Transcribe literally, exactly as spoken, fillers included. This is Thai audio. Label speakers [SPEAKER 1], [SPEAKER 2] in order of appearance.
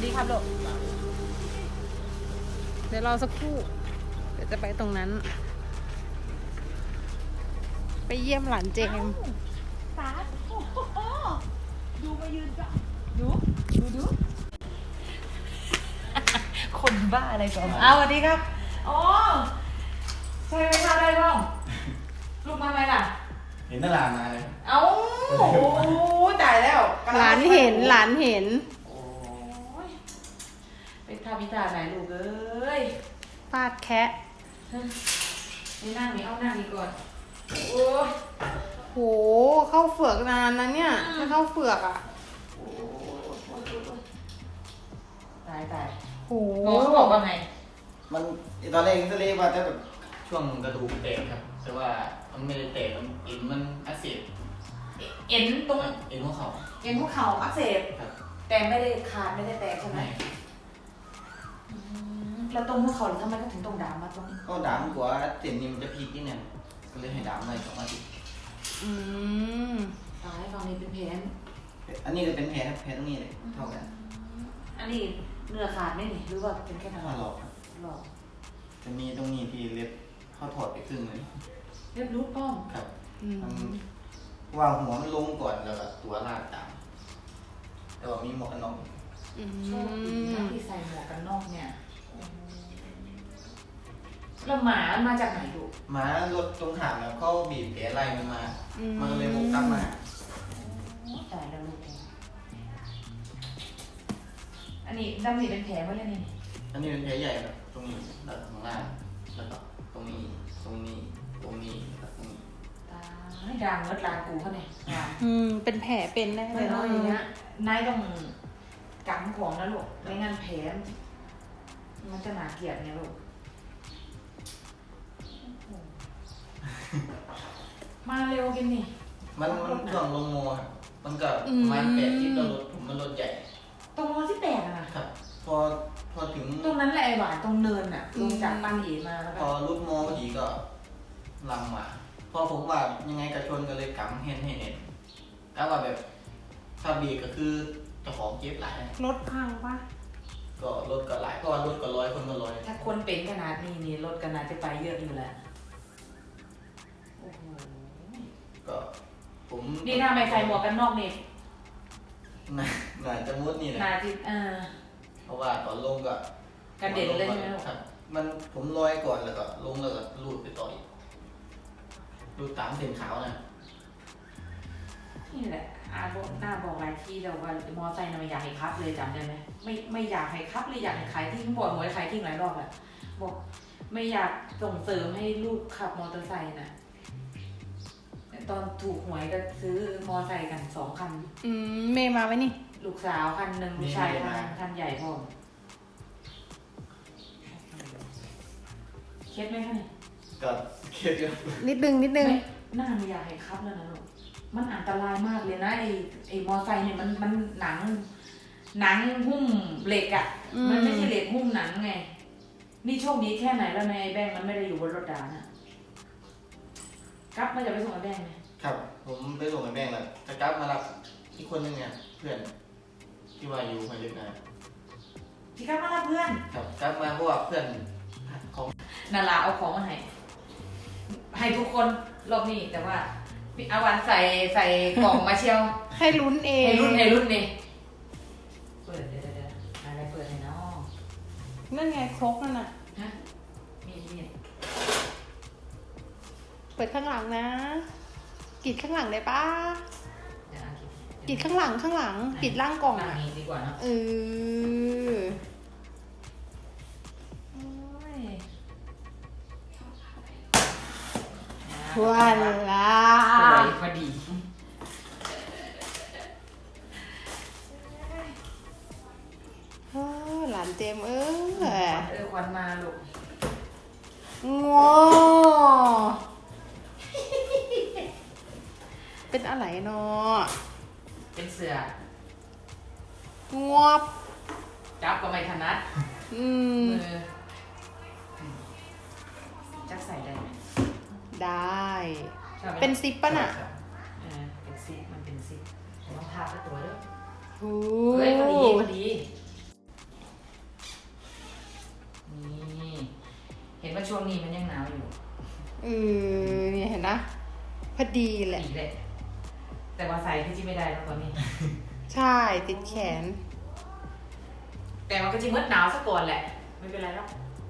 [SPEAKER 1] ดีครับลูกเดี๋ยวรอสักครู่เดี๋ยวจะไปตรงนั้นไปเยี่ยมหลานเจม
[SPEAKER 2] สาดโอ้โหดูมายืนจ้ะดูดูดูคนบ้าอะไรก่อนอ้าวสวัสดีครับอ๋อใช่ไหมคะได้บ้างลูกมาไหมล่ะ
[SPEAKER 3] เห็นตลาดมาเลย
[SPEAKER 2] เอ้าโอ้ตายแล้ว
[SPEAKER 1] หลานเห็นหลานเห็น
[SPEAKER 2] โอ้ยเป็นท่าพิธาไหนลูกเอ้ย
[SPEAKER 1] ฟาดแคะ
[SPEAKER 2] นี่นั่งนี่เอานั่งนี่ก่อนโอ้ย
[SPEAKER 1] โหเข้าเฝือกนานนะเนี่ยถ้าเข้าเฝือกอ่ะ
[SPEAKER 2] ตายตาย
[SPEAKER 1] โห
[SPEAKER 2] หมอเขาบอกว่าไง
[SPEAKER 3] มันตอนแรกก็เลยว่าจะแบบช่วงกระดูกแตกครับแต่ว่ามันไม่ได้แตกมันเอ็นมันอักเสบ
[SPEAKER 2] เอ็นตรง
[SPEAKER 3] เอ็นหัวเข่า
[SPEAKER 2] เอ็นหัวเข่าอักเสบแต่ไม่ได้ขาดไม่ได้แตกใช่ไหมแล้วตรงหัวเข่าทำไมก็ถึงตรงดามมาตรง
[SPEAKER 3] ก็ดามกว่าเส้นนี้มันจะพีกนิดนึงก็เลยให้ดามไว้สองอาทิตย์
[SPEAKER 1] อืม
[SPEAKER 2] ตายตอนนี้เป็นแผล
[SPEAKER 3] อันนี้ก็เป็นแผลแผลตรงนี้เลยเท่ากัน
[SPEAKER 2] อันนี้เนื้อขาดไหมนี่หรือว่าเป็นแค่ทาง
[SPEAKER 3] หลอก
[SPEAKER 2] หลอก
[SPEAKER 3] จะมีตรงนี้ที่เล็บเขาถอดไปครึ่งเลย
[SPEAKER 2] เล็บรูดป้อม
[SPEAKER 3] ครับว่าหัวมันลงก่อนแล้วก็ตัวลากตามแต่ว่ามีหมวกกันน็อก
[SPEAKER 2] โชคดีนะที่ใส่หมวกกันน็อกเนี่ยแล้วหมามาจากไหนดู
[SPEAKER 3] หมารถตรงหางแล้วเขาบีบแผลไล่มันมามันก็เลยบุกกลับมา
[SPEAKER 2] ตายแล้วลูกอันนี้ดำนี่เป็นแผลว่าอะไรนี่
[SPEAKER 3] อันนี้เป็นแผลใหญ่ครับตรงนี้แล้วข้างล่างแล้วก็ตรงนี้ตรงนี้ตรงนี้แล้วตรงนี้
[SPEAKER 2] ตายดังเลิศลานกูเขาเนี่ย
[SPEAKER 1] อืมเป็นแผลเป็นแน่เลย
[SPEAKER 2] เนาะอย่างเงี้ยนายต้องกำของนะลูกไม่งั้นแผลมันจะหนาเกลียดเนี่ยลูกมาเร็วกินนี่
[SPEAKER 3] มันมันช่วงลงโมมันก็ประมาณแปดที่ตัวรถผมมันรถใหญ่
[SPEAKER 2] ตรงโมที่แปดนะครับ
[SPEAKER 3] พอพอถึง
[SPEAKER 2] ตรงนั้นแหละไอหวานตรงเนินอ่ะลงจากปันเอมาแล้ว
[SPEAKER 3] พอรุดโมพอดีก็ลำมาพอผมว่ายังไงกระชนก็เลยกำเห็นให้เห็นแล้วว่าแบบถ้าบีก็คือเจ้าของเจ็บหลาย
[SPEAKER 1] รถพังปะ
[SPEAKER 3] ก็รถก็หลายเพราะว่ารถก็ร้อยคนก็ร้อย
[SPEAKER 2] ถ้าคนเป็นขนาดนี้นี่รถก็น่าจะไปเยอะอยู่แหละ
[SPEAKER 3] ก็ผม
[SPEAKER 2] นี่ถ้าไม่ใส่หมวกกันนอกนี่
[SPEAKER 3] น่าน่าจะมุดนี่เลย
[SPEAKER 2] น่าจะเออ
[SPEAKER 3] เพราะว่าตอนลงก็
[SPEAKER 2] กระเด็นเลยใช่ไหม
[SPEAKER 3] ครับมันผมลอยก่อนแล้วก็ลงแล้วก็ลูดไปต่ออีกลูดตามเส้นขาวนะ
[SPEAKER 2] นี่แหละอาบอกหน้าบอกหลายที่แต่ว่ามอไซค์น่ะไม่อยากให้คับเลยจำได้ไหมไม่ไม่อยากให้คับเลยอยากให้ขายทิ้งบ่อยหมดขายทิ้งหลายรอบแหละบอกไม่อยากส่งเสริมให้ลูกขับมอเตอร์ไซค์นะตอนถูกหวยก็ซื้อมอไซค์กันสองคัน
[SPEAKER 1] อืมเมย์มาไหมนี่
[SPEAKER 2] ลูกสาวคันหนึ่งลูกชายคันคันใหญ่พอเคสไหมคะเนี่ย
[SPEAKER 3] ก็เคสอยู่
[SPEAKER 1] นิดนึงนิดนึง
[SPEAKER 2] หน้าไม่อยากให้คับแล้วนะลูกมันอันตรายมากเลยนะไอไอมอไซค์เนี่ยมันมันหนังหนังหุ้มเหล็กอ่ะมันไม่ใช่เหล็กหุ้มหนังไงนี่โชคดีแค่ไหนแล้วในแบงค์มันไม่ได้อยู่บนรถดาน่ะกลับมาจะไปส่งไอ้แบงค์ไหม
[SPEAKER 3] ครับผมไปส่งไอ้แบงค์แล้วจะกลับมารับอีกคนนึงเนี่ยเพื่อนที่ว่าอยู่มาเยอะนะ
[SPEAKER 2] ที่กลับมารับเพื่อน
[SPEAKER 3] ครับกลับมาเพราะว่าเพื่อนของ
[SPEAKER 2] นาราเอาของมาให้ให้ทุกคนรอบนี้แต่ว่าอาวันใส่ใส่กล่องมาเชียว
[SPEAKER 1] ให้ลุ้นเอง
[SPEAKER 2] ให้ลุ้นให้ลุ้นเองเปิดเดี๋ยวเดี๋ยวอะไรเปิดให้น้อง
[SPEAKER 1] นั่นไงครกนั่นน่ะ
[SPEAKER 2] ฮะมีมี
[SPEAKER 1] เปิดข้างหลังนะปิดข้างหลังได้ปะปิดข้างหลังข้างหลังปิดล่างกล่องอ่ะ
[SPEAKER 2] ดีกว่านะ
[SPEAKER 1] เออวันละ
[SPEAKER 2] พอดี
[SPEAKER 1] หลานเจมเออ
[SPEAKER 2] เออควันมาลูก
[SPEAKER 1] งอเป็นอะไรเนาะ
[SPEAKER 2] เป็นเสือ
[SPEAKER 1] งวบ
[SPEAKER 2] จับก็ไม่ถนัด
[SPEAKER 1] อืม
[SPEAKER 2] จับใส่ได้ไหม
[SPEAKER 1] ได้เป็นซิปป่ะน่ะ
[SPEAKER 2] เออเป็นซิปมันเป็นซิปต้องทาบด้วยตัวด้วย
[SPEAKER 1] โอ้
[SPEAKER 2] เฮ้ยพอดีพอดีช่วงนี้มันยังหนาวอยู่
[SPEAKER 1] เออเนี่ยเห็นนะพอดีแหละ
[SPEAKER 2] อีกเลยแต่ว่าใส่ที่จิ้ไม่ได้แล้วตอนนี้
[SPEAKER 1] ใช่ติดแขน
[SPEAKER 2] แต่มันก็จะมืดหนาวซะก่อนแหละ ไม่เป็นไรหรอก
[SPEAKER 1] อ